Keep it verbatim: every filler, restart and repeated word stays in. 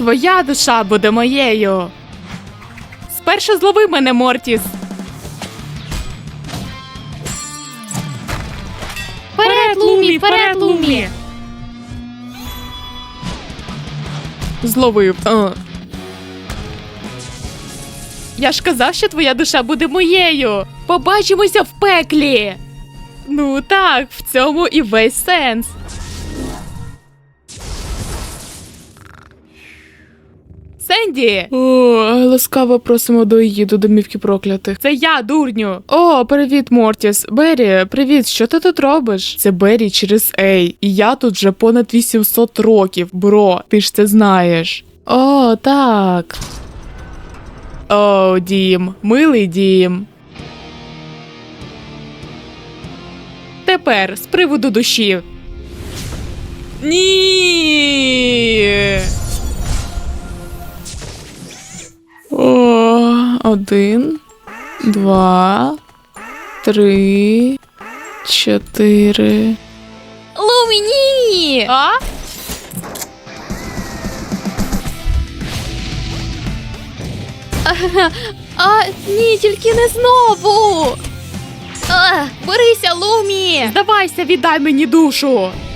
Твоя душа буде моєю. Спершу злови мене, Мортіс. Вперед, Лумі, вперед, Лумі! Зловив. А. Я ж казав, що твоя душа буде моєю. Побачимося в пеклі. Ну так, в цьому і весь сенс. Сенді! О, ласкаво просимо до її, до домівки проклятих. Це я, дурню. О, привіт, Мортіс. Беррі, привіт, що ти тут робиш? Це Беррі через Ей. І я тут вже понад вісімсот років, бро. Ти ж це знаєш. О, так. О, дім. Милий дім. Тепер, з приводу душі. Ні! О, один, два, три, чотири. Лумі, ні! А? А, ні, тільки не знову! А, берися, Лумі! Здавайся, віддай мені душу!